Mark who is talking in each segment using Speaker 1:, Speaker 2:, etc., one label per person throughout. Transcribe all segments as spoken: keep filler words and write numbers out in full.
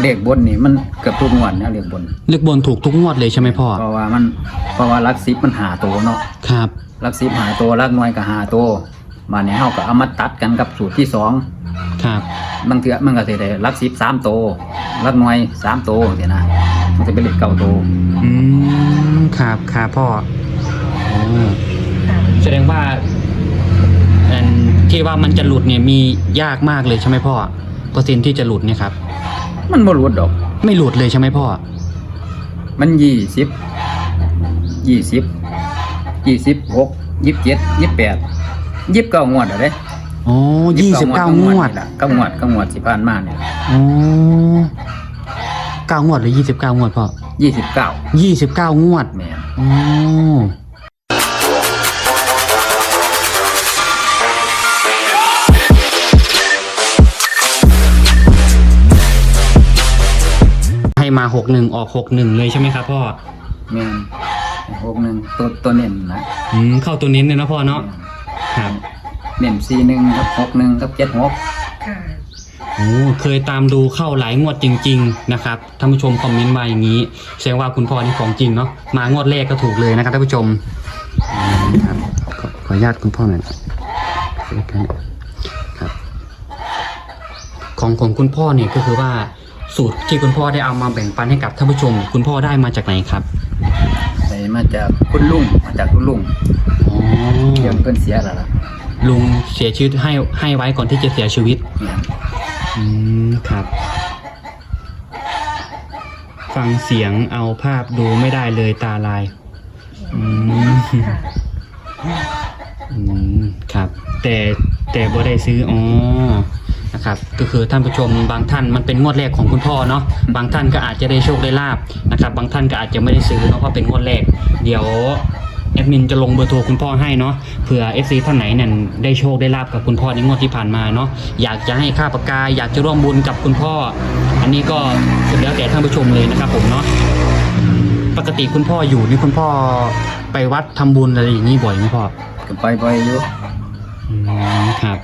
Speaker 1: เลขบนนี่มันเกือบทุกงวดนะเลขบน
Speaker 2: เลขบนถูกทุกงวดเลยใช่ไหมพ่อ
Speaker 1: เพราะว่ามันเพราะว่าลักซิปมันหาตัวเนาะ
Speaker 2: ครับ
Speaker 1: ลักซิปหาตัวลักน้อยก็หาตัวมาเนี่ยเฮาก็เอามาตัดกันกับสูตรที่สอง
Speaker 2: ครับ
Speaker 1: บางเทื่อมันก็สิได้ลักซิปสามตัวลักน้อยสามตัวจังซี่นะมันจะเป็นเลขเก้าตัว
Speaker 2: อืมครับครับพ่อโอ้แสดงว่าอันที่ว่ามันจะหลุดเนี่ยมียากมากเลยใช่ไหมพ่อเปอร์เซ็นต์ที่จะหลุดเนี่ยครับ
Speaker 1: มันบ่หลุดดอก
Speaker 2: ไม่หลุดเลยใช่ไหมพ่อ
Speaker 1: มันยี่สิบยี่สิบยี่สิบหกยี่สิบเจ็ดยี่สิบแปดยี่สิบเก้างวดอะเด้
Speaker 2: โอ้ยี่สิบเก้างวด
Speaker 1: เก้างวดเก้างวดสิผ่านมาเนี่ย
Speaker 2: โอ้เก้างวดหรือยี่สิบเก้างวดพ่อ
Speaker 1: ยี่สิบเก้า
Speaker 2: ยี่สิบเก้างวด
Speaker 1: แม่น
Speaker 2: โอ้ให้มาหกหนึ่งออกหกหนึ่งเลยใช่ไหมครับพ่อ
Speaker 1: แม่นหกหนึ่งตัวตัวเน้นนะ
Speaker 2: อืมเข้าตัวเน้นเลยนะพ่อเนาะครับ
Speaker 1: เน้นสี่หนึ่งกับหกหนึ่งกับเจ็ดหก
Speaker 3: ค่ะ
Speaker 2: โอ้เคยตามดูเข้าหลายงวดจริงๆนะครับท่านผู้ชมคอมเมนต์มาอย่างนี้แสดงว่าคุณพ่อนี่ของจริงเนาะมางวดแรกก็ถูกเลยนะครับท่านผู้ชมครับขอขออนุญาตคุณพ่อหน่อยครับของของคุณพ่อเนี่ยก็คือว่าสูตรที่คุณพ่อได้เอามาแบ่งปันให้กับท่านผู้ชมคุณพ่อได้มาจากไหนครับ
Speaker 1: ได้มาจากคุณลุงมาจากคุณลุง
Speaker 2: อ๋อ
Speaker 1: เดี๋ยวเพิ่นเสียแล้วล่ะ
Speaker 2: ลุงเสียชีวิตให้ให้ไว้ก่อนที่จะเสียชีวิตอืมครับฟังเสียงเอาภาพดูไม่ได้เลยตาลายอืมอืมครับแต่แต่บ่ได้ซื้ออ๋อนะครับก็คือท่านผู้ชมบางท่านมันเป็นงวดแรกของคุณพ่อเนาะบางท่านก็อาจจะได้โชคได้ลาบนะครับบางท่านก็อาจจะไม่ได้ซื้อเนาะเพราะเป็นงวดแรกเดี๋ยวแอดมินจะลงเบอร์โทรคุณพ่อให้เนาะเผื่อ เอฟ ซี ท่านไหนเนี่ยได้โชคได้ลาบกับคุณพ่อในงวดที่ผ่านมาเนาะอยากจะให้ค่าปากกาอยากจะร่วมบุญกับคุณพ่ออันนี้ก็สุดแล้วแต่ท่านผู้ชมเลยนะครับผมเนาะปกติคุณพ่ออยู่นี่คุณพ่อไปวัดทำบุญอะไรอย่างนี้บ่อยไหมพ่อ
Speaker 1: ก็ไปบ่อยอยู่
Speaker 2: อืมครับ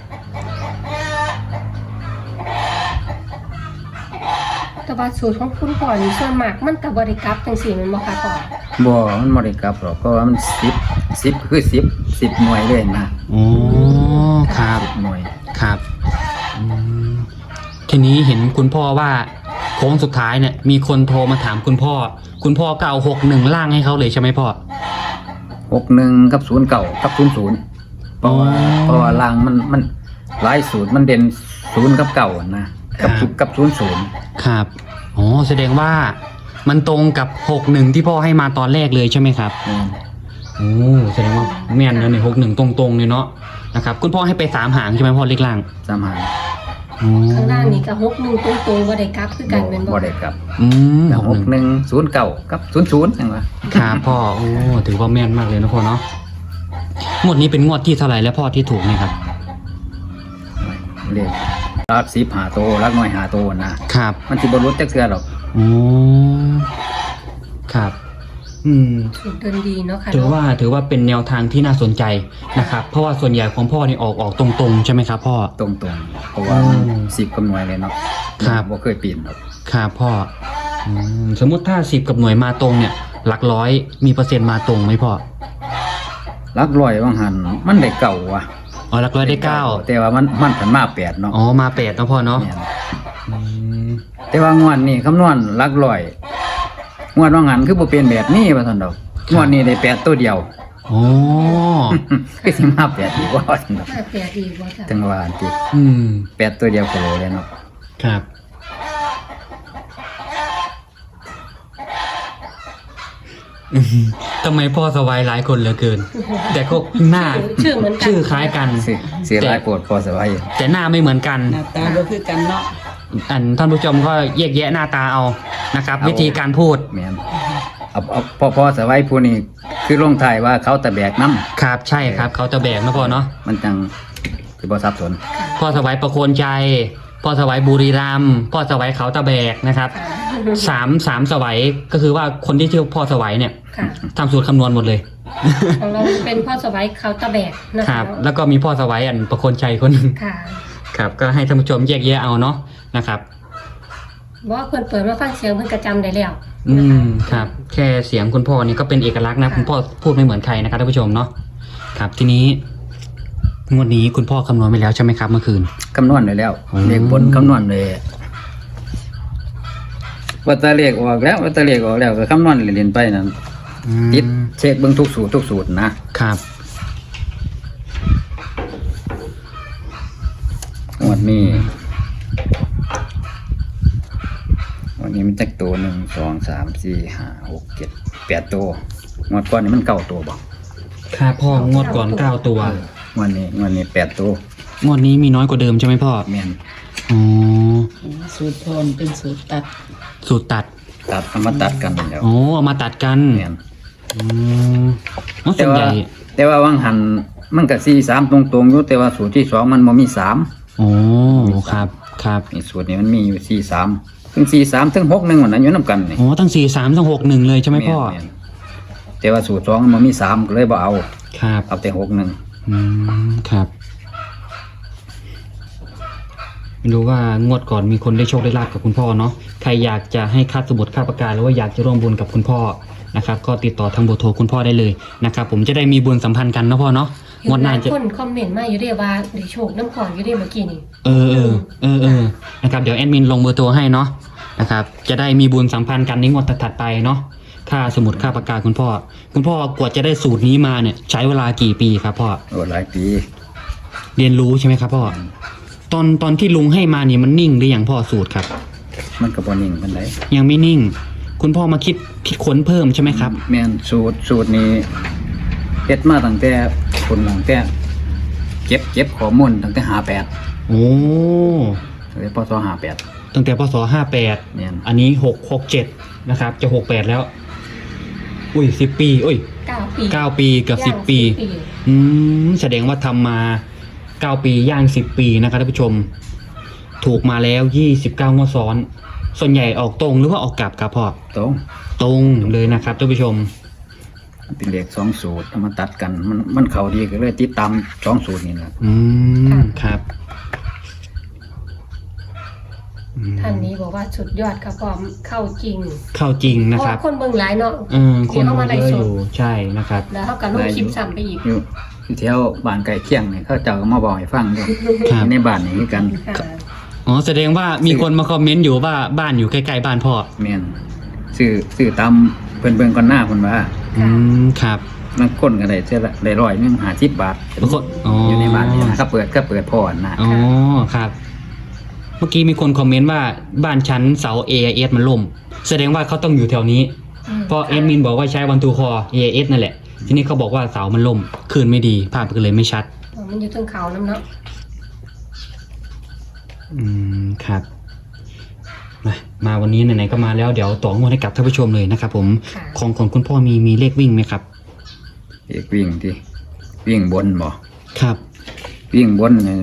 Speaker 3: แต่ว่าสูตรของคุณพ่อนี่ส่วนมากมันกับบริกรับจังสี่มันบ่ค่ะพ่อ
Speaker 1: บ่มันบ่ได้กลับหรอกเพราะว่ามันสิบ สิบคือสิบ สิบหน่วยเลยนะ
Speaker 2: อ๋อครับ
Speaker 1: หน่วย
Speaker 2: ครับอืมทีนี้เห็นคุณพ่อว่าโค้งสุดท้ายเนี่ยมีคนโทรมาถามคุณพ่อคุณพ่อก็เอาหกหนึ่งล่างให้เขาเลยใช่ไหมพ่อ
Speaker 1: หกหนึ่งกับศูนย์เก้ากับศูนย์ศูนย์เพราะว่าเพราะว่าล่างมันมันหลายสูตรมันเด่นศูนย์กับเก้านะกับกับศูนย์ศูนย์
Speaker 2: ครับอ๋อแสดงว่ามันตรงกับหกหนึ่งที่พ่อให้มาตอนแรกเลยใช่ไหมครับ
Speaker 1: อืม
Speaker 2: โอ้แสดงว่าแม่นนะเนี่ยหกหนึ่งตรงๆเลยเนาะนะครับคุณพ่อให้ไปสามหางใช่ไหมพ่อเล็กล่าง
Speaker 1: สามหาง
Speaker 3: ข้างล่างนี่กับหกหนึ่งตรงๆบ่ได้กลับคือกันเป็น
Speaker 1: บ่ได้กลับ
Speaker 2: อืม
Speaker 1: หกหนึ่งศูนย์เก้ากับศูนย์ศูนย์จังวะ
Speaker 2: ครับพ่อโอ้ถือว่าแม่นมากเลยนะพ่อเนาะงวดนี้เป็นงวดที่เท่าไหร่แล้วพ่อที่ถูกไหมครับ
Speaker 1: เรียกรักสิบหาโตรักน้อยหาโตนะครับมันสิบรุษจักเทื่อหรอก
Speaker 2: อ๋อครับอืม
Speaker 3: เดินดีเนาะค่ะ
Speaker 2: ถือว่าถือว่าเป็นแนวทางที่น่าสนใจนะครับเพราะว่าส่วนใหญ่ของพ่อนี่ออกออกตรงๆใช่ไหมครับพ่อ
Speaker 1: ตรงๆเพราะว่าสิบกับหน่วยเลยเนาะ
Speaker 2: ครับ
Speaker 1: บ่เคยเปลี่ยนหรอก
Speaker 2: ครับพ่อสมมติถ้าสิบกับหน่วยมาตรงเนี่ยหลักร้อยมีเปอร์เซ็นต์มาตรงไหมพ่อ
Speaker 1: หลักร้อยว่างหันมันได้เก่าว่ะ
Speaker 2: อ๋อหลักร้อยได้เก้า
Speaker 1: แต่ว่ามันมันผันมาแปดเนาะ
Speaker 2: อ๋อมาแปดเนาะพ่อเนาะ
Speaker 1: แต่ว่างวดนี้คำนวณหลักร้อยงวดว่างหันคือบ่เป็นแบบนี้ว่าซั่นดอกงวดนี้ได้แปดตัวเดียว
Speaker 2: อ๋อ
Speaker 1: คือสิมาแปดอีกว่าซั่นดอก
Speaker 3: แปดอีกว่าจ้ะ
Speaker 1: จังหวะติ
Speaker 2: อืม
Speaker 1: แปดตัวเดียวโคโลเลยเนาะ
Speaker 2: ครับทำไมพ่อสวายหลายคนเหลือเกินแต่ก็หน้า
Speaker 3: ชื่อเหมือนกัน
Speaker 2: ชื่อคล้ายกัน
Speaker 1: เสียหลายโปรดพ่อสวาย
Speaker 2: แต่หน้าไม่เหมือนกัน
Speaker 4: หน้าตาก็คือกันเนาะ
Speaker 2: อันท่านผู้ชมก็แยกแยะหน้าตาเอานะครับวิธีการพูด
Speaker 1: แม่นเอาเอาพ่อพ่อสวายผู้นี้คือลงท้ายว่าเขาตะแบกน้ำ
Speaker 2: ครับใช่ครับเขาตะแบกนะพ่อเนาะ
Speaker 1: มันจังคือบ่ซับซ้อน
Speaker 2: พ่อสวายประโคนใจพ่อสวายบุรีรัมย์พ่อสวายเขาตะแบกนะครับสามสามสวายก็คือว่าคนที่ชื่อพ่อสวายเนี่ยทำสูตรคำนวณหมดเลย
Speaker 3: ของเราเป็นพ่อสวายเขาตะแบก
Speaker 2: นะครับแล้วก็มีพ่อสวายอันประโคนชัยคนนึงครับก็ให้ท่านผู้ชมแยกแยะเอาเนาะนะครับ
Speaker 3: ว่าเพิ่นเปิดมาฟังเสียงเพิ่นก็จำได้แล้ว
Speaker 2: อื
Speaker 3: นะคะ
Speaker 2: มครับแค่เสียงคุณพ่อนี่ก็เป็นเอกลักษณ์นะ
Speaker 3: ค่ะ
Speaker 2: คุณพ่อพูดไม่เหมือนใครนะครับท่านผู้ชมเนาะครับทีนี้งวดนี้คุณพ่อคำนวณไปแล้วใช่ไหมครับเมื่อคืน
Speaker 1: คำนวณไว้แล้ว
Speaker 2: อืม
Speaker 1: เลขบนคำนวณเลยว่าแตาเลขออกแล้วว่าแตาเลขออกแล้วก็คำนวณเรียนๆไปนั่น
Speaker 2: อืม
Speaker 1: ติดเช็คเบิ่งทุกสูตรทุกสูตรนะครับ งวดนี้วันนี้มันจักตัวหนึ่งสองสามสี่ห้าหกเจ็ดแปดตัวงวดก่อนนี่มันเก้าตัวบ่
Speaker 2: ครับพ่องวดก่อนเก้าตัว
Speaker 1: งวดนี้งวดนี้แปดตัว
Speaker 2: งวดนี้มีน้อยกว่าเดิมใช่ไหมพ่อ
Speaker 1: แม่น
Speaker 2: อ๋อ
Speaker 4: สูตรพรเป็นสูตรตัด
Speaker 2: สูตรตัด
Speaker 1: ตัดเอามาตัดกันแล้ว
Speaker 2: อ๋อเอามาตัดกัน
Speaker 1: แม่น
Speaker 2: อืมอ๋อ
Speaker 1: แต่
Speaker 2: ส่วน
Speaker 1: ว่า
Speaker 2: ใหญ่
Speaker 1: แต่ว่าวังหันมันก็สี่สามตรงๆอยู่แต่ว่าสูตรที่สองมันบ่มีสาม
Speaker 2: อ๋อครับครับ
Speaker 1: นี่สูตรนี้มันมีอยู่สี่สามถึงสี่สามถึงหกหนึ่งวันนั้นอยู่นํกันนี่
Speaker 2: อ๋อตั้งสี่สามตั้งหกหนึ่งเลยใช่ไหมพ่อ
Speaker 1: แนๆแต่ว่าสูตรสองมันมีสามก็เลยบ่เอา
Speaker 2: ครับ
Speaker 1: เอาแต่หกหนึ่ง
Speaker 2: อืมครับไม่รู้ว่างวดก่อนมีคนได้โชคได้ลาบกับคุณพ่อเนาะใครอยากจะให้ค่าสมุดค่าปากกาหรือว่าอยากจะร่วมบุญกับคุณพ่อนะครับก็ติดต่อทางเบอร์โทรคุณพ่อได้เลยนะครับผมจะได้มีบุญสัมพันธ์กันเนาะพ่อเนาะ
Speaker 3: เห็
Speaker 2: งวด
Speaker 3: น
Speaker 2: ห
Speaker 3: ห
Speaker 2: น้า
Speaker 3: ลาย
Speaker 2: จะ
Speaker 3: คนคอมเมนต์มาอยู่เด้ว่าได้โชคน้ำขอนอยู่เด้เมื่อกี้นี่
Speaker 2: เออเออเออเออนะครับเดี๋ยวแอดมินลงเบอร์โทรให้เนาะนะครับจะได้มีบุญสัมพันธ์กันในงวดถัดๆไปเนาะค่าสมุดค่าปากกาคุณพ่อ คุณพ่อกว่าจะได้สูตรนี้มาเนี่ยใช้เวลากี่ปีครับพ่อ
Speaker 1: โอ้หลายปี
Speaker 2: เรียนรู้ใช่ไหมครับพ่อตอนตอนที่ลุงให้มานี่มันนิ่งหรือยังพ่อสูตรครับ
Speaker 1: มันก็บ่นิ่งปานใด
Speaker 2: ยังไม่นิ่ง คุณพ่อมาคิดคิดค้นเพิ่มใช่ไหมครับ
Speaker 1: แม่นสูตรสูตรนี้เฮ็ดมาตั้งแต่คนตั้งแต่เก็บเก็บข้อมูลตั้งแต่ห้าแปด
Speaker 2: โอ้
Speaker 1: ตั้งแต่พศห้าแปด
Speaker 2: ตั้งแต่พศห้าแปด
Speaker 1: แม่น
Speaker 2: อันนี้หกหกเจ็ดนะครับจะหกแปดแล้ว อุ้ยสิบปีอุ้ย
Speaker 3: เก้าปี
Speaker 2: เก้าปีเกับสิบ
Speaker 3: ย่าง
Speaker 2: ปี
Speaker 3: ปี
Speaker 2: อืมแสดงว่าทำมาเก้าปีย่างสิบปีนะครับท่านผู้ชม ถูกมาแล้วยี่สิบเก้างวดซ้อน ส่วนใหญ่ออกตรงหรือว่าออกกลับครับพ่อ
Speaker 1: ตรง
Speaker 2: ตรงเลยนะครับท่านผู้ชม
Speaker 1: เป็นเลขสองสูตรเอามาตัดกัน มันมันเข้าดีก็เลยติดตามสองสูตรนี่แหละ
Speaker 2: อืมครับอืม
Speaker 3: ท่านนี้บอกว่าสุดยอดครับพร้อมเข้าจริง
Speaker 2: เข้าจริง
Speaker 3: เพ
Speaker 2: นะ
Speaker 3: ราะ
Speaker 2: ครั
Speaker 3: ว่า
Speaker 2: บ
Speaker 3: คนเบิ่งหลายเนาะ
Speaker 2: เออคน
Speaker 3: เดี๋ยวเอามาไลฟ์
Speaker 2: เยอะ
Speaker 3: สด
Speaker 2: อยู่ใช่นะครับ
Speaker 3: แล้วเขาก็ลงคลิปซ้ำไปอีก
Speaker 1: อยู่อยู่แถวบ้านไก่เคียงนี่เขาเจ้าก็มาบอกให้ฟังด้วย
Speaker 2: ครับ
Speaker 1: ในบ้านนี่คือกัน
Speaker 3: ค่ะ
Speaker 2: อ๋อแสดงว่ามีคนมาคอมเมนต์อยู่ว่าบ้านอยู่ใกล้ๆบ้านพ่อ
Speaker 1: แม่นซื้อซื้อตามเพิ่นเบิ่งก่อนหน้าเพิ่นว่า
Speaker 2: อืมครับ
Speaker 1: มันคนก็ได้เท่าละได้ร้อยหนึงห้าสิบบาท
Speaker 2: บางคนอ๋อ
Speaker 1: อ
Speaker 2: อยู่
Speaker 1: ในบ้านนี่นะก็เปิดก็เปิดพอนะ
Speaker 2: อ๋อครับ เมื่อกี้มีคนคอมเมนต์ว่าบ้านชั้นเสา เอ เอส มันล่ม แสดงว่าเขาต้องอยู่แถวนี้
Speaker 3: ม
Speaker 2: เพราะเอดมินบอกว่าใช้วันทูคอ เอ เอส นั่นแหละ ทีนี้เขาบอกว่าเสามันล่มคลื่นไม่ดีภาพก็เลยไม่ชัด
Speaker 3: อ๋อมันอยู่ตรงเขาน้ำเนาะ
Speaker 2: อืมครับมามาวันนี้ไหนๆก็มาแล้วเดี๋ยวต่องวดให้กับท่านผู้ชมเลยนะครับผม
Speaker 3: ค่ะ
Speaker 2: ของของคุณพ่อมีมีเลขวิ่งไหมครับ
Speaker 1: เอกวิ่งที่วิ่งบนบ่
Speaker 2: ครับ
Speaker 1: วิ่งบนนี่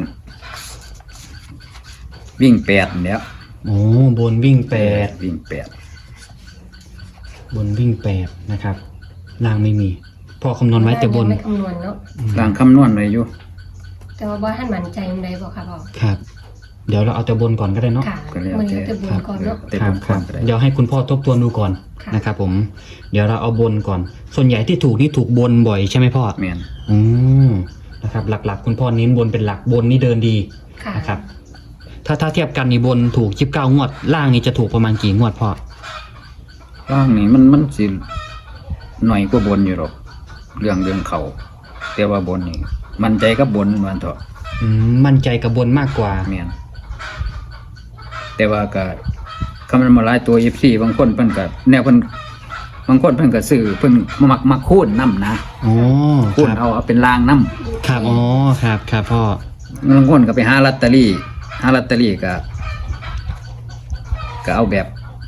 Speaker 1: วิ่งแปดนี่แหล้ว
Speaker 2: โอ้บนวิ่งแปด
Speaker 1: วิ่งแปด
Speaker 2: บนวิ่งแปดนะครับล่างไม่มีพ่อคำนวณไว้แต่บน
Speaker 3: ไม่คำนวณเนาะ
Speaker 1: ล่างคำนวณไว้อยู่
Speaker 3: แต่ว่าบ่ท่านมั่นใจมันใดบอกค่ะพ่อ
Speaker 2: ครับ เดี๋ยวเราเอาแต่บนก่อนก็ได้เนาะ
Speaker 3: ค่ะ
Speaker 1: ก็แล้ว
Speaker 3: มัน
Speaker 1: แต่
Speaker 3: จะบุญก่อนเนาะ
Speaker 1: แต่
Speaker 2: ครับ
Speaker 1: ผม
Speaker 2: ครับ
Speaker 1: ก็ได้
Speaker 2: เดี๋ยวให้คุณพ่อทบทวนดูก่อน
Speaker 3: ค่ะ
Speaker 2: นะครับผม เดี๋ยวเราเอาบนก่อน ส่วนใหญ่ที่ถูกนี่ถูกบนบ่อยใช่ไหมพ่อ
Speaker 1: แม่น
Speaker 2: อืมนะครับ หลักๆ คุณพ่อเน้นบนเป็นหลักบนนี่เดินดี
Speaker 3: ค่ะ
Speaker 2: นะครับ ถ้าถ้าเทียบกันนี่บนถูกยี่สิบเก้างวด ล่างนี่จะถูกประมาณกี่งวดพ่อ
Speaker 1: ล่างนี่มันมันสิหน่อยกว่าบนอยู่หรอกเรื่องเรื่องเขาแต่ว่าบนนี่มันใจกับบนมันเถอะ
Speaker 2: อืมมั่นใจกับบนมากกว่า
Speaker 1: แม่นแต่ว่าก็คำมันมาหลายตัว เอฟ ซี บางคนเพิ่นก็แนวเพิ่นบางคนเพิ่นก็ซื้อเพิ่นมักมักคูณนํนะ
Speaker 2: อ๋อ
Speaker 1: คูณ
Speaker 2: ครับ
Speaker 1: เอาเอาเป็นรางนํ
Speaker 2: ครับ อ๋อ ครับ ครับพ่อ
Speaker 1: บางคนก็ไปหาลอตเตอรี่หาลอตเตอรี่ก็ก็เอาแบบ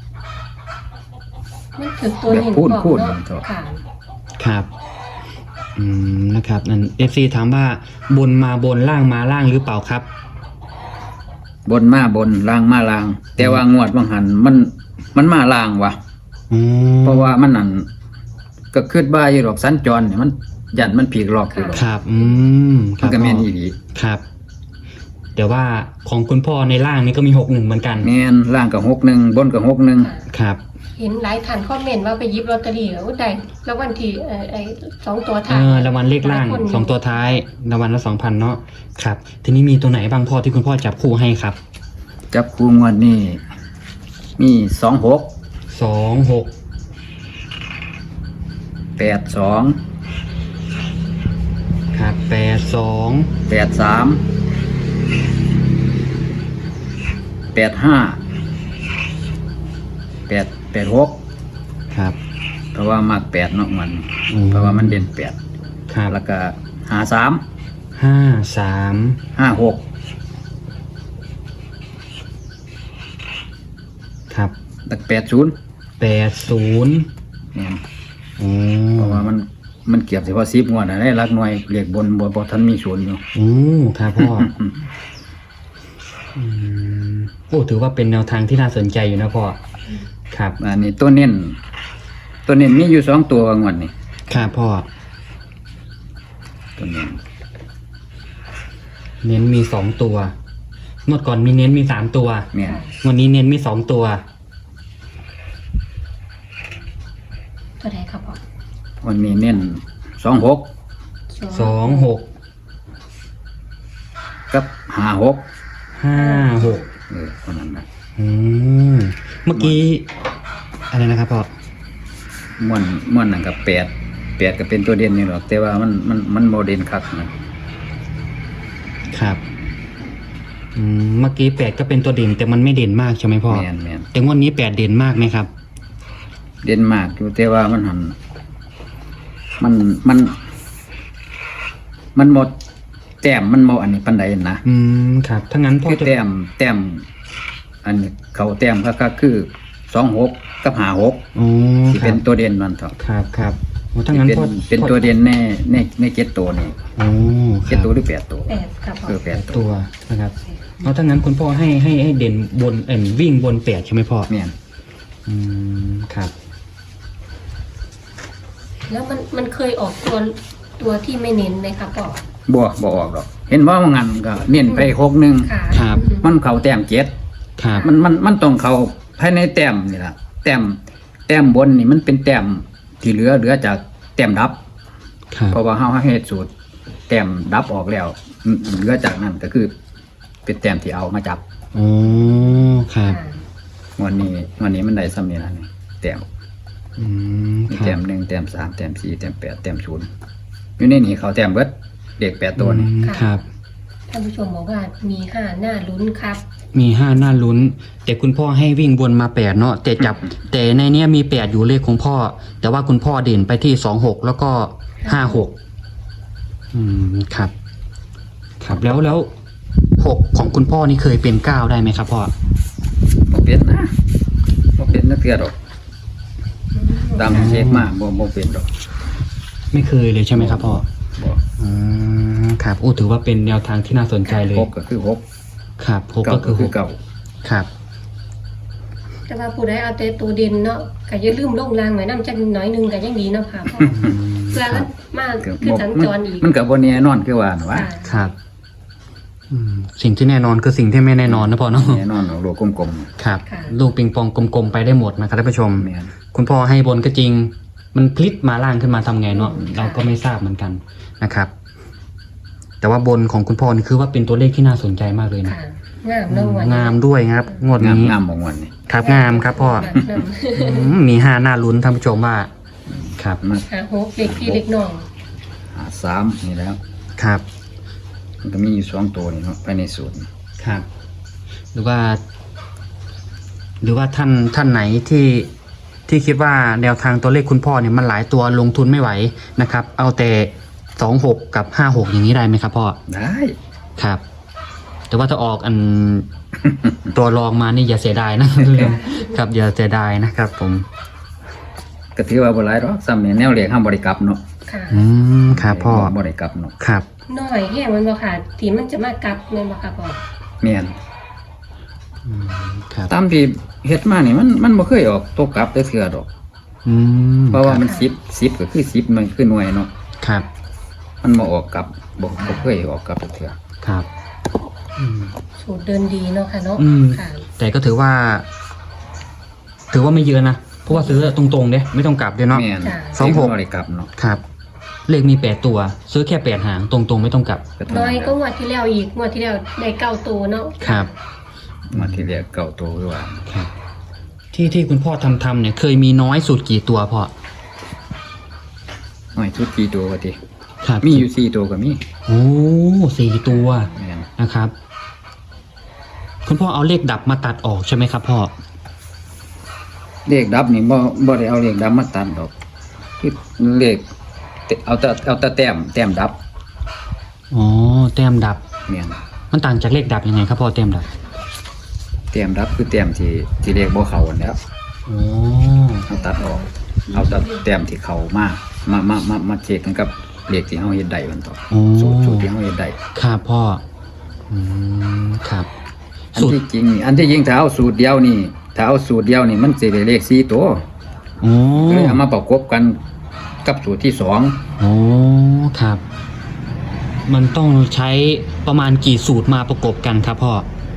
Speaker 3: มันถึงตัวนี้
Speaker 1: แบบพูด
Speaker 3: บอก
Speaker 1: พูด
Speaker 3: เนาะ
Speaker 1: มันเถอะ
Speaker 3: ค่ะ
Speaker 2: ครับ อืม นะครับนั่นเอฟซีถามว่าบนมาบนล่างมาล่างหรือเปล่าครับ
Speaker 1: บนมาบนล่างมาล่าง แต่ว่างวดบางหันมันมันมาล่างว่ะ
Speaker 2: อืม
Speaker 1: เพราะว่ามันนั่นก็คิดว่าอยู่หรอกสัญจรเนี่ยมันยันมันผีกหลอกอยู่หรอก
Speaker 2: ครับ อืมค
Speaker 1: มั
Speaker 2: รั
Speaker 1: น
Speaker 2: บ
Speaker 1: ก็แม่น
Speaker 2: พ่อ
Speaker 1: อีหลี
Speaker 2: ครับแต่ว่าของคุณพ่อในล่างนี่ก็มีหกหนึ่งเหมือนกัน
Speaker 1: แม่นล่างกับหกหนึ่งบนกับหกหนึ่ง
Speaker 2: ครับ
Speaker 3: เห็นหลายท่านคอมเมนต์ว่าไปหยิบลอตเตอรี่แล้วได้แล้ววันที่เอ่อไอ้สองตัว
Speaker 2: เอ
Speaker 3: ท้าย
Speaker 2: อรางวัลเลขล่าง
Speaker 3: หยคน
Speaker 2: สองตัวท้ายรางวัลละสองพันเนาะครับ ทีนี้มีตัวไหนบ้างพ่อที่คุณพ่อจับคู่ให้ครับ
Speaker 1: จับคู่งวดนี่มีสองหก
Speaker 2: สองหก
Speaker 1: แปดสอง
Speaker 2: ครับแปดสอง
Speaker 1: แปดสามแปดห้าแปดแปดหก
Speaker 2: ครับ
Speaker 1: เพราะว่ามากแปดเนาะมัน
Speaker 2: อืม
Speaker 1: เพราะว่ามันเด่นแปด
Speaker 2: ครับ
Speaker 1: แล้วก็หาสาม
Speaker 2: ห้าสาม
Speaker 1: ห้าหก
Speaker 2: ครับ
Speaker 1: แล้วก็แปดศูนย์
Speaker 2: แปดศูนย์
Speaker 1: เนี่ย
Speaker 2: อื
Speaker 1: เพราะว่ามันมันเกี่ยวเฉพาะสิบงวดนะได้รักหน่วยเรียกบนบนบนทันมีศูนย์อยู่
Speaker 2: อืมครับพ่ออืมโอ้ถือว่าเป็นแนวทางที่น่าสนใจอยู่นะพ่อครับ
Speaker 1: อันนี้ตัวเน้นตัวเน้นมีอยู่สองตัวงวดนี่
Speaker 2: ครับพ่อ
Speaker 1: ตัวเน้น
Speaker 2: เน้นมีสองตัวงวดก่อนมีเน้นมีสามตัว
Speaker 1: เนี่ย
Speaker 2: วันนี้เน้นมีสองตัว
Speaker 3: ตัวใดครับพ่อ
Speaker 1: วันนี้เน้นสองหก
Speaker 2: สองหก
Speaker 1: กับห้าหก
Speaker 2: ห้าหก
Speaker 1: เออเท่านั้นนะ
Speaker 2: อืมเมื่อกี้อะไรนะครับพ่อ
Speaker 1: ม่วนม่วนนั่นกับแปดแปดก็เป็นตัวเด่นนี่หรอกแต่ว่ามันมันมันโมเด่นคักนะครับ
Speaker 2: อืมเมื่อกี้แปดก็เป็นตัวเด่นแต่มันไม่เด่นมากใช่ไหมพ่อ
Speaker 1: แมนแมน
Speaker 2: แต่งวดนี้แปดเด่นมากไหมครับ
Speaker 1: เด่นมากอยู่แต่ว่ามันหันมันมัน มันหมดแต้มมันหมดอันนี้ปันใดนะ
Speaker 2: อืมครับถ้างั้นพ่อ
Speaker 1: คือ
Speaker 2: จะ
Speaker 1: แต้มแต้มอันนี้เขาแต้มก็คือสองหกกับห้าหก
Speaker 2: อ๋อ
Speaker 1: ที่
Speaker 2: ค
Speaker 1: เป็
Speaker 2: รั
Speaker 1: น
Speaker 2: บ
Speaker 1: ตัวเด่นมันเถอะ
Speaker 2: ครับครับโอ้ถ้างั้น
Speaker 1: เป็น
Speaker 2: พ่อ
Speaker 1: เป็นตัวเด่นในในในเจ็ดตัวนี่
Speaker 2: โอ้ค
Speaker 1: เจ็
Speaker 2: รั
Speaker 1: ด
Speaker 2: บ
Speaker 1: ตัวหรือแปดตัว
Speaker 3: แปดครับพ่อ
Speaker 1: เออแป
Speaker 2: แป
Speaker 1: ด
Speaker 2: ด
Speaker 1: ตั
Speaker 2: ตัว วนะครับเอาถ้างั้นคุณพ่อให้ให้ให้เด่นบนเอ็นวิ่งบนแปดใช่ไหมพ่อ
Speaker 1: แม่น
Speaker 2: อืมครับ
Speaker 3: แล้วมันมันเคยออกตัวตัวที่ไม่เน้นไหมครับพ่อ
Speaker 1: บ่บ่ออกหรอกเห็นว่ามันงันก็เน้นไปหกหนึ่ง
Speaker 3: ค่ะ
Speaker 2: ครับ
Speaker 3: อืม
Speaker 1: มันเขาแต้มเจ็ด
Speaker 2: ครับ
Speaker 1: มันมันมันต้องเขาภายในแต้มนี่ล่ะแต้มแต้มบนนี่มันเป็นแต้มที่เหลือเหลือจากแต้มดับ
Speaker 2: ครับ
Speaker 1: เพราะว่าเฮาเฮ็ดสูตรแต้มดับออกแล้วอืมเหลือจากนั้นก็คือ เป็นแต้มที่เอามาจับ
Speaker 2: โอ้ครับ
Speaker 3: ค่ะ
Speaker 1: วันนี้วันนี้มันได้ซ้ำนี่ล่ะนี่แต้ม
Speaker 2: อืม
Speaker 1: มี
Speaker 2: ครั
Speaker 1: แต้
Speaker 2: บ
Speaker 1: มหนึ่งแต้มสามแต้มสี่แต้มแปดแต้มศูนย์อยู่ในนี่เขาแต้มเบิดเด็กแปดตัวนี่
Speaker 2: อืมครับ
Speaker 3: ท่านผู้ชมบอกว่ามีห้าหน้าลุ้นครับ
Speaker 2: มีห้าหน้าลุ้น แต่คุณพ่อให้วิ่งบนมาแปดเนาะแต่จับ แต่ในเนี้ยมีแปดอยู่เลขของพ่อ แต่ว่าคุณพ่อเด่นไปที่สองหกแล้วก็ห้าหกอืมครับ ครับแล้วแล้วหกของคุณพ่อนี่เคยเป็นเก้าได้ไหมครับพ่อ
Speaker 1: บ่เป็นนะบ่เป็นนักเรียนดอกตามเช็คมาบ่บ่เป็นดอก
Speaker 2: ไม่เคยเลยใช่ไหมครับพ่อ
Speaker 1: บ่
Speaker 2: อืมครับโอ้ถือว่าเป็นแนวทางที่น่าสนใจเลย
Speaker 1: หกก็คือหก
Speaker 2: ครับหก
Speaker 1: เก้า
Speaker 2: ก็
Speaker 1: ก็
Speaker 2: คือห
Speaker 1: คือก เก้า
Speaker 2: ครับ
Speaker 3: แต่ว่าผู้ใดเอาแต่ตัวเด่นเนาะก็อย่าลืมลงรางไว้นำจักหน่อยหนึงก็ยังดีเนาะค่ะพ่อเพื่อมันมา
Speaker 1: ก็
Speaker 3: คือ
Speaker 1: บ่
Speaker 3: สัญ
Speaker 1: มัน
Speaker 3: จรอีก
Speaker 1: มันก็บ่แน่นอนคือว่าน่ะว่า
Speaker 3: ค่ะ
Speaker 2: ครับอืมสิ่งที่แน่นอนคือสิ่งที่ไม่แน่นอนนะพ่อเนาะ
Speaker 1: แน่นอนโลกกลม
Speaker 2: ครับ
Speaker 3: ค่ะ
Speaker 2: ลูกปิงปองกลมๆไปได้หมดนะครับท่านผู้ชม
Speaker 1: ๆแม่น
Speaker 2: คุณพ่อให้บนก็จริง มันพลิกมาล่างขึ้นมาทำไงเนาะเราก็ไม่ทราบเหมือนกันนะครับ แต่ว่าบนของคุณพ่อนี่คือว่าเป็นตัวเลขที่น่าสนใจมากเลยนะ
Speaker 3: ค่ะงามเนาะวัน
Speaker 2: งามด้วยครับ งวด
Speaker 1: งาม
Speaker 2: นี้
Speaker 1: งามของวันนี้
Speaker 2: ครับงามครับพ่อ
Speaker 3: งามงาม
Speaker 2: อืมมีห้าหน้าลุ้นท่านผู้ชมว่า ครับ
Speaker 1: มา
Speaker 3: หาหกเด็กพี่เด็กน้อง
Speaker 1: หาสามนี่แล้ว
Speaker 2: ครับ
Speaker 1: มันก็มีอยู่สองตัวนี่เนาะภายในสูตรนี่
Speaker 2: ครับ หรือว่า หรือว่าท่านท่านไหนที่ที่คิดว่าแนวทางตัวเลขคุณพ่อเนี่ยมันหลายตัวลงทุนไม่ไหวนะครับ เอาแต่สองหกกับห้าหกอย่างนี้ได้ไหมครับพ่อ
Speaker 1: ได้
Speaker 2: ครับ แต่ว่าถ้าออกอัน ตัวรองมานี่อย่าเสียดายนะ ครับอย่าเสียดายนะครับ ผม
Speaker 1: ก็ถือว่าบ่หลายดอกซ้ำนี่แนวเลขห้ามบ่ได้กลับเนาะ
Speaker 3: ค่ะ
Speaker 2: อืมครับพ่อ
Speaker 1: บ่ได้กลับเนาะ
Speaker 2: ครับ
Speaker 3: น้อยแห้งมันบ่ค่ะที่มันจะมากัดแม่นบ่ค่ะพ่อ
Speaker 1: แม่น
Speaker 2: อืมครับ
Speaker 1: ตามที่เฮ็ดมานี่มันมันบ่เคยออกตกกลับได้เทื่อดอก
Speaker 2: อืม
Speaker 1: เพราะว่า
Speaker 2: คบ
Speaker 1: มันสิบ สิบก็คือสิบมันคือหน่วยเนาะ
Speaker 2: ครับ
Speaker 1: มันบ่ออกกลับบ่บ่เคยออกกลับเทื่อ
Speaker 2: ครับ
Speaker 1: ม
Speaker 2: อืม
Speaker 3: สูตรเดินดีเนาะค่ะเนาะ
Speaker 2: อืม
Speaker 3: ค่ะ
Speaker 2: แต่ก็ถือว่า ถือว่าไม่เยอะนะเพราะว่าซื้อตรงๆเด้ไม่ต้องกลับด้วยเนาะ
Speaker 1: แม่น
Speaker 3: จ้ะ
Speaker 2: สองหก
Speaker 1: เลขบ่ได้กลับเนาะ
Speaker 2: ครับ เลขมีแปดตัว ซื้อแค่แปดหางตรงๆไม่ต้องกลับ
Speaker 1: ก็เท่า
Speaker 3: น้อย
Speaker 1: นั้น
Speaker 3: ก็งวดที่แล้วอีกงวดที่แล้วได้เก้าตัวเนาะ
Speaker 2: ครับ
Speaker 1: มาที่เรียกเก่าโตด้วยว่า
Speaker 2: ครับ ที่ที่คุณพ่อทำทำเนี่ย เคยมีน้อยสุดกี่ตัวพ่อ
Speaker 1: หน่อยชุดกี่ตัวก็ติ
Speaker 2: ครับ
Speaker 1: มีอยู่สี่ตัวก็มี
Speaker 2: โอ้สี่ตัว
Speaker 1: แม่น
Speaker 2: นะครับ คุณพ่อเอาเลขดับมาตัดออกใช่ไหมครับพ่อ
Speaker 1: เลขดับนี่บ่บ่ได้เอาเลขดับมาตัดดอกคือเลขเอาแต่เอาแต่แต้มแต้มดับ
Speaker 2: อ๋อแต้มดับ
Speaker 1: แม่น
Speaker 2: มันต่างจากเลขดับยังไงครับพ่อแต้มดับ
Speaker 1: แต้มดับคือแต้มที่ที่เลขบ่เข้าอันแล้ว
Speaker 2: อ๋อ
Speaker 1: เอาตัดออก เอาแต่แต้มที่เข้ามามามามามาเช็คกันกับเลขที่เฮาเฮ็ดได้มันต่อ
Speaker 2: อ๋อ
Speaker 1: สูตรสูตรที่เฮาเฮ็ดได้
Speaker 2: ครับพ่อ อืมครับ
Speaker 1: อัน
Speaker 2: สูตร
Speaker 1: ที่จริงนี่อันที่จริงถ้าเอาสูตรเดียวนี่ถ้าเอาสูตรเดียวนี่มันสิได้เลขสี่ตัว
Speaker 2: อ๋อ
Speaker 1: ก็เลยเอามาประกบกันกับสูตรที่สอง
Speaker 2: อ๋อครับ มันต้องใช้ประมาณกี่สูตรมาประกบกันครับพ่อ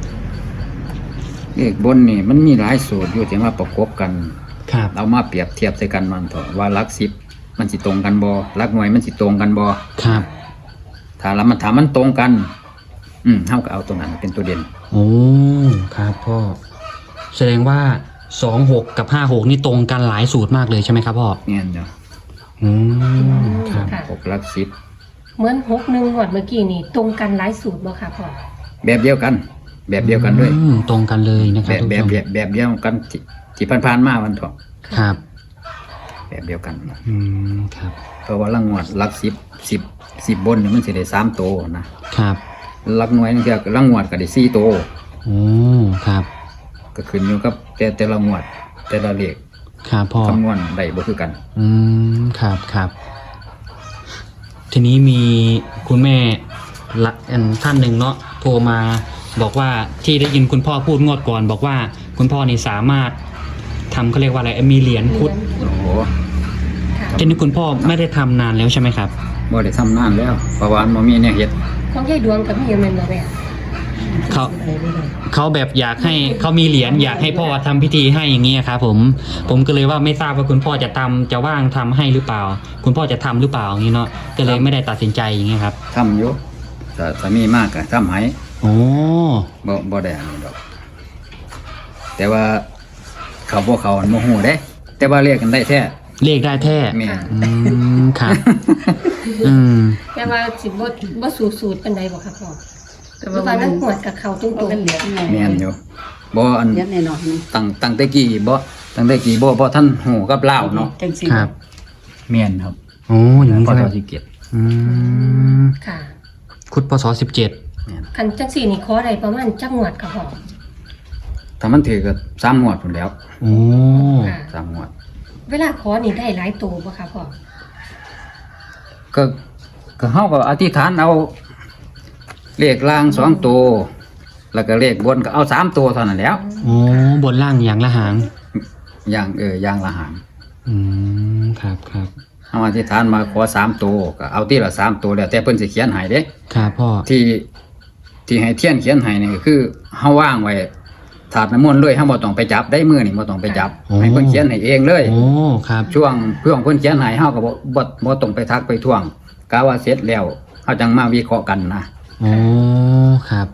Speaker 1: เลขบนนี่มันมีหลายสูตรอยู่ที่มาประกบกัน
Speaker 2: ครับ
Speaker 1: เอามาเปรียบเทียบใส่กันมันเถอะว่าหลักสิบมันสิตรงกันบ่หลักหน่วยมันสิตรงกันบ่
Speaker 2: ครับ
Speaker 1: ถ้าแล้วมันถามมันตรงกัน อืมเฮาก็เอาตรงนั้นเป็นตัวเด่น
Speaker 2: โอ้ครับพ่อ แสดงว่าสองหกกับห้าหกนี่ตรงกันหลายสูตรมากเลยใช่ไหมครับพ่อ
Speaker 1: เนี่ยเนาะ
Speaker 2: อืมครับ
Speaker 3: ค่ะ
Speaker 1: หกหลักสิบ
Speaker 3: เหมือนหกหนึ่งงวดเมื่อกี้นี่ตรงกันหลายสูตรบ่ค่ะพ่อ
Speaker 1: แบบเดียวกัน แบบเดียวกันด้วย
Speaker 2: อืมตรงกันเลยนะค
Speaker 1: แบ
Speaker 2: รับบ
Speaker 1: แบบ
Speaker 2: ทุก
Speaker 1: แบ
Speaker 2: ผู้ช
Speaker 1: บแบบเดียวกันที่ที่ผ่านๆมามันเถอะ
Speaker 2: มครับ
Speaker 1: แบบเดียวกัน
Speaker 2: อืมครับ
Speaker 1: เพราะว่าลังงวดหลักสิบสิบสิบบนนี่มันสิได้สามโตวนะครับ หลักหน่วยนี่ก็ลังงวดก็ได้สี่โตว
Speaker 2: โอ้ครับ
Speaker 1: ก็ขึ้นอยู่กับแต่แต่ละงวด แต่ละเลข
Speaker 2: ครับพ่อ
Speaker 1: คำนวณได้บ่คือกัน
Speaker 2: อืมครับครับ ทีนี้มีคุณแม่ละอันท่านหนึ่งเนาะโทรมาบอกว่าที่ได้ยินคุณพ่อพูดงวดก่อน บอกว่าคุณพ่อนี่สามารถทำเขาเรียกว่าอะไรมีเหรียญพุทธ
Speaker 1: โอ้โห
Speaker 3: ค่ะ
Speaker 2: ทีนี้คุณพ่อไม่ได้ทำนานแล้วใช่ไหมครับ
Speaker 1: บ่ได้ทำนานแล้วเพราะว่ามันบ่มีแนวเฮ็ด
Speaker 3: ของยายดวงกับพี่ยังเป็นบ่แม่
Speaker 2: เขา
Speaker 4: ไปไม่ได้
Speaker 2: เขาแบบอยากให้เขามีเหรียญอยากให้พ่อทำพิธีให้อย่างเงี้ยครับผมผมก็เลยว่าไม่ทราบว่าคุณพ่อจะทำจะว่างทำให้หรือเปล่า คุณพ่อจะทำหรือเปล่าอย่างงี้เนาะก็เลยไม่ได้ตัดสินใจอย่างเงี้ยครับ
Speaker 1: ทำอยู่ถ้าถ้ามีมากก็ทำให้
Speaker 2: โอ้
Speaker 1: บ่บ่ได้อันนี้ดอก แต่ว่าเขาบ่เขาอันบ่ฮู้เด้ แต่ว่าเรียกกันได้แท้
Speaker 2: เลขได้แท้
Speaker 1: แม่น
Speaker 2: อืมครับ อืม
Speaker 3: แต่ว่าสิบ่บ่สูตรสูตรปานใดบ่ค่ะพ่อ
Speaker 4: แต่
Speaker 3: เพราะ
Speaker 4: ว่า
Speaker 3: ว่า
Speaker 4: มั
Speaker 3: มัน นหวดกับเขาตรง
Speaker 4: มันเป็นเหรียญไง
Speaker 1: แม่นอยู่บ่อัน
Speaker 4: เหรียญแน่นอนนี่
Speaker 1: ตั้งตั้งแต่กี้บ่ตั้งแต่กี้บ่บ่ท่านฮู้กับลาวเนาะ
Speaker 4: จังสิ
Speaker 2: ครับ
Speaker 1: แม่นครับ
Speaker 2: โอ้อย่างนี้
Speaker 1: พอ
Speaker 2: ใช่ไหม
Speaker 1: เท่าสิเก็บ
Speaker 2: อืม
Speaker 3: ๆค่ะ
Speaker 2: คุดพศสิบเจ็ด
Speaker 1: แม่น
Speaker 3: คันจังสี่นี่ขอได้ประมาณจักงวดค่ะพ่อ
Speaker 1: ถ้ามันถือก็สามงวดพุ่นแล้ว
Speaker 2: โอ้
Speaker 3: ค่ะ
Speaker 1: สามงวด
Speaker 3: เวลาขอนี่ได้หลายตัวบ่ค่ะพ่อ
Speaker 1: ก็ก็เฮาก็อธิษฐานเอาเลขล่างสองตัวแล้วก็เลขบนก็เอาสามตัวเท่านั้นแหล้ว
Speaker 2: โอ้บนล่างอย่างละหาง
Speaker 1: อย่างเอออย่างละหาง
Speaker 2: อืมครับครับ
Speaker 1: เอาอธิษฐานมาขอสามตัวก็เอาที่ละสามตัวแล้วแต่เพิ่นสิเขียนให้เด้
Speaker 2: ครับพ่อ
Speaker 1: ที่ที่ให้เทียนเขียนให้นี่ก็คือเฮาว่างไว้ถาดน้ำมนต์เลยเฮาบ่ต้องไปจับได้มือนี่บ่ต้องไปจับให้เพิ่นเขียนให้เองเลย
Speaker 2: โอ้ครับ
Speaker 1: ช่วงเพื่อนเพิ่นเขียนให้เฮาก็บ่บ่บ่ต้องไปทักไปท่วงกะว่าเสร็จแล้วเฮาจังมาวิเคราะห์กันนะ
Speaker 2: โอ้ครับ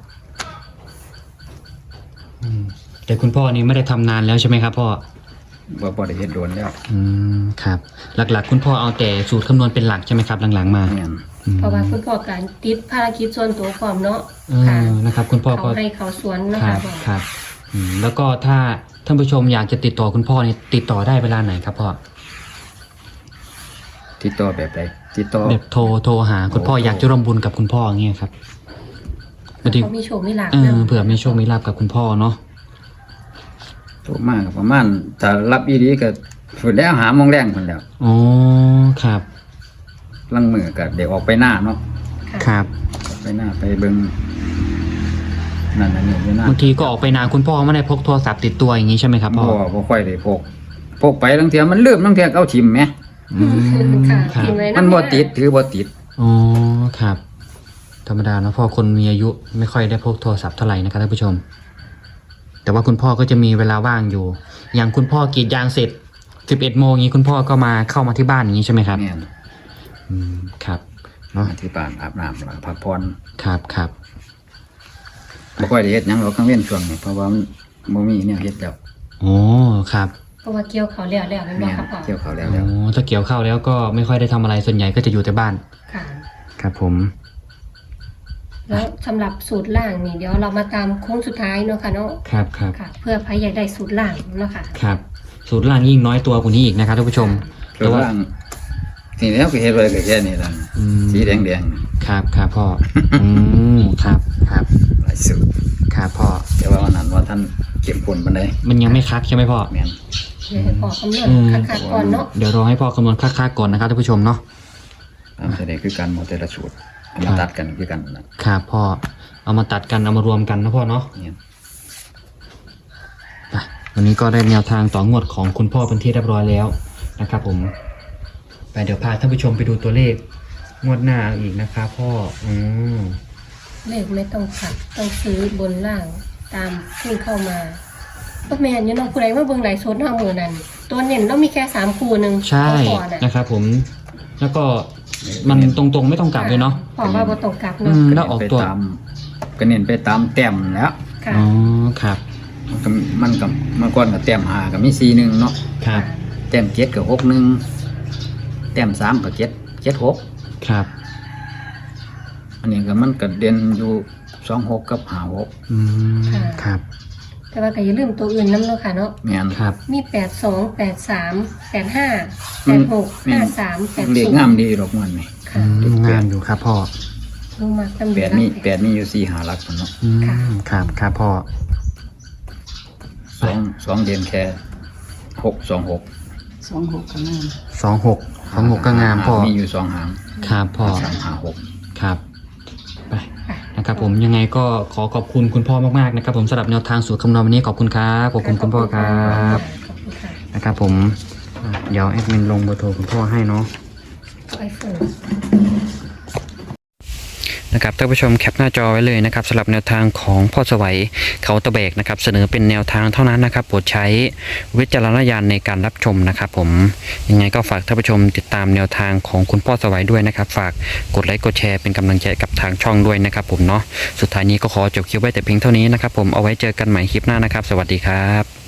Speaker 2: อืมแต่คุณพ่อนี่ไม่ได้ทำนานแล้วใช่ไหมครับพ่อ
Speaker 1: บ่บ่ได้เฮ็ดโดนแล้ว
Speaker 2: อืมครับ หลักๆ คุณพ่อเอาแต่สูตรคำนวณเป็นหลักใช่ไหมครับหลังๆมา
Speaker 1: แม่น
Speaker 2: อืม
Speaker 3: เพราะว่าคุณพ่อการติดภารกิจส่วนตัวความเนาะ
Speaker 2: เอ
Speaker 3: ค่ะ
Speaker 2: อนะครับ คุณพ่อ
Speaker 3: เขา
Speaker 2: ก็
Speaker 3: ให้เขาสวนนะ
Speaker 2: ครั
Speaker 3: คะ
Speaker 2: บ
Speaker 3: พ่อ
Speaker 2: ครับอืมแล้วก็ถ้าท่านผู้ชมอยากจะติดต่อคุณพ่อนี่ติดต่อได้เวลาไหนครับพ่อ
Speaker 1: ติดต่อแบบใดติดต่อ
Speaker 2: แบบโทรโทรหาคุณพ่อ
Speaker 1: โอ้
Speaker 2: อยากจะร่วมบุญกับคุณพ่ออย่างเงี้ยครับบางที
Speaker 3: เขามีโชคมีลาภ
Speaker 2: เออ
Speaker 3: นะ
Speaker 2: เผื่อมีโชคมีลาภกับคุณพ่อเนาะ
Speaker 1: โทรมาก็ประมาณถ้ารับอีหลีก็พุ่นแล้วหาโมงแรงพุ่นแล้ว
Speaker 2: อ๋อครับ
Speaker 1: ลังมือก็เดี๋ยวออกไปหน้าเนาะ
Speaker 3: ค่ะ
Speaker 2: ครับ
Speaker 1: ออกไปหน้าไปเบิ่งนั่นอันนี้อยู่หน้า
Speaker 2: บางทีก็ออกไปนานคุณพ่อไม่ได้พกโทรศัพท์ติดตัวอย่างงี้ใช่ไหมครับพ่
Speaker 1: บ่
Speaker 2: อ
Speaker 1: บ่ค่อยได้พกพกไปลางเทื่อมันลืมลางเทื่อก็เอาทิ่มแหม
Speaker 2: อืม
Speaker 3: ค่ะ
Speaker 2: ครับ
Speaker 3: กินไว้ะ
Speaker 1: มันบ่ติดถือบ่ติด
Speaker 2: อ๋อครับ แธรรมดาเนอะพ่อคนมีอายุไม่ค่อยได้พกโทรศัพท์เท่าไหร่นะครับท่านผู้ชม แต่ว่าคุณพ่อก็จะมีเวลาว่างอยู่ อย่างคุณพ่อกรีดยางเสร็จสิบเอ็ดโมงนี้คุณพ่อก็มาเข้ามาที่บ้านอย่างนี้ใช่ไหมครับ
Speaker 1: แม่น
Speaker 2: อืมครับเนาะ
Speaker 1: มาที่บ้านอาบน้ำแล้วก็พักผ่อน
Speaker 2: ครับครับ
Speaker 1: บ่ค่อยได้เฮ็ดหยังหรอกกลางเว้นช่วงนี้เพราะว่ามันบ่มีแนวเฮ็ดแล้ว
Speaker 2: โอ้ครับ
Speaker 3: เพราะว่าเกี่ยวเขาแล้วแล้วแม่นบ่
Speaker 1: แม่น
Speaker 3: ครับพ่อ
Speaker 1: เกี่ยวเขาวแล้ว
Speaker 2: โอ้
Speaker 1: แล้ว
Speaker 2: ถ้าเกี่ยวข้าวแล้วก็ไม่ค่อยได้ทำอะไรส่วนใหญ่ก็จะอยู่แต่บ้าน
Speaker 3: ค่ะ
Speaker 2: ครับผม
Speaker 3: แล้วสำหรับสูตรล่างนี่เดี๋ยวเรามาตามโค้งสุดท้ายเนาะค่ะเนาะ
Speaker 2: ครับครับ
Speaker 3: ค่ะ เพื่อใครอยากได้สูตรล่างเนาะค่ะ
Speaker 2: ครับ สูตรล่างยิ่งน้อยตัวกว่านี้อีกนะครับท่านผู้ชม
Speaker 1: ส่วนล่างนี่แล้วก็เฮ็ดไว้ก็แค่นี้ล่ะ
Speaker 2: อืม
Speaker 1: สีแดง
Speaker 2: ครับครับพ่อ อืมครับครับ
Speaker 1: ๆหลายสูตร
Speaker 2: ครับพ่อ
Speaker 1: แต่ว่าวันนั้นว่าท่านเก็บผลปานใด
Speaker 2: มันยังไม่คักใช่ไหมพ่อ
Speaker 1: แม่น
Speaker 3: เดี๋ยวให้พ่อคำนวณ
Speaker 2: อืม
Speaker 3: คักๆก่อนเนาะ
Speaker 2: เดี๋ยวรอให้พ่อคำนวณคักๆก่อนนะครับท่านผู้ชมเนาะ
Speaker 1: ตามแสดงคือการหมดแต่ละสูตรเอามาตัดกันคือกันนะครับ
Speaker 2: พ่อ เอามาตัดกันเอามารวมกันนะพ่อเนาะ
Speaker 1: เนี่ย
Speaker 2: ไปวันนี้ก็ได้แนวทางต่องวดของคุณพ่อเป็นที่เรียบร้อยแล้วนะครับผม ไปเดี๋ยวพาท่านผู้ชมไปดูตัวเลขงวดหน้าอีกนะครับพ่อ อืม
Speaker 3: เลขไม่ต้องขัดต้องซื้อบนล่างตามที่เข้ามาก็แม่นอยู่เนาะผู้ใดว่าเบิ่งหลายโซนเฮามื้อนั้นตัวเน้นเรามีแค่สามคู่หนึง
Speaker 2: ใช่
Speaker 3: พ่อน่ะ
Speaker 2: นะครับผม แล้วก็มันตรงๆไม่ต้องกลับเลยเนาะ
Speaker 3: พ่อว่าบ่ต้องกลับ
Speaker 2: อื
Speaker 3: เนาะ
Speaker 2: มแล้วออกตัว
Speaker 1: ไปตามก็เน้นไปตามแต้มแล้ว
Speaker 3: ค่ะ
Speaker 2: อ๋อครับ
Speaker 1: มันก็มันกับเมื่อก่อนกับแต้มหากับมีสี่หนึ่งเนาะ
Speaker 2: ครับ
Speaker 1: แต้มเจ็ดกับหกหนึ่งแต้มสามกับเจ็ดเจ็ดหก
Speaker 2: ครับ
Speaker 1: อันนี้ก็มันก็เด่นอยู่สองหกกับหาหก
Speaker 2: อืมครับ
Speaker 3: แต่ว่าก็อย่าลืมตัวอื่นนำเนาะค่ะเนาะ
Speaker 1: แม่น
Speaker 2: ครับ
Speaker 3: มีแปดสอง แปดสาม แปดห้า แปดหก ห้าสาม แปด
Speaker 1: เด็ก
Speaker 3: ศูน
Speaker 1: งาม
Speaker 3: ย์
Speaker 1: ดีดอกมันนี่
Speaker 3: ค่ะ
Speaker 2: อืมงามอยู่ครับพ่อ
Speaker 3: ลงมาตำ
Speaker 1: แปดมีแปดมีอยู่สี่หาหลักพุ่นเนาะ
Speaker 2: อืมครับครับพ่อ
Speaker 1: สองสองเด่นแค่หกสองหก
Speaker 4: สองหกก็งาม
Speaker 2: สองหกสองหกก็งามพ่อ
Speaker 1: มีอยู่สองหาง
Speaker 2: ครับพ่อ
Speaker 1: สามหาหก
Speaker 2: ครับไปนะครับผมยังไงก็ขอขอบคุณคุณพ่อมากๆนะครับผมสำหรับแนวทางสูตรคำนวณวันนี้ขอบคุณครับขอบคุณคุณพ่อครับ
Speaker 3: ขอบคุณค่ะ
Speaker 2: นะครับผมอ่ะเดี๋ยวแอดมินลงเบอร์โทรคุณพ่อให้เนาะ
Speaker 3: ไอโฟน
Speaker 2: นะครับท่านผู้ชมแคปหน้าจอไว้เลยนะครับสำหรับแนวทางของพ่อสวัยเขาตะแบกนะครับเสนอเป็นแนวทางเท่านั้นนะครับโปรดใช้วิจารณญาณในการรับชมนะครับผมยังไงก็ฝากท่านผู้ชมติดตามแนวทางของคุณพ่อสวัยด้วยนะครับฝากกดไลค์กดแชร์เป็นกำลังใจกับทางช่องด้วยนะครับผมเนาะสุดท้ายนี้ก็ขอจบคลิปไว้แต่เพียงเท่านี้นะครับผมเอาไว้เจอกันใหม่คลิปหน้านะครับสวัสดีครับ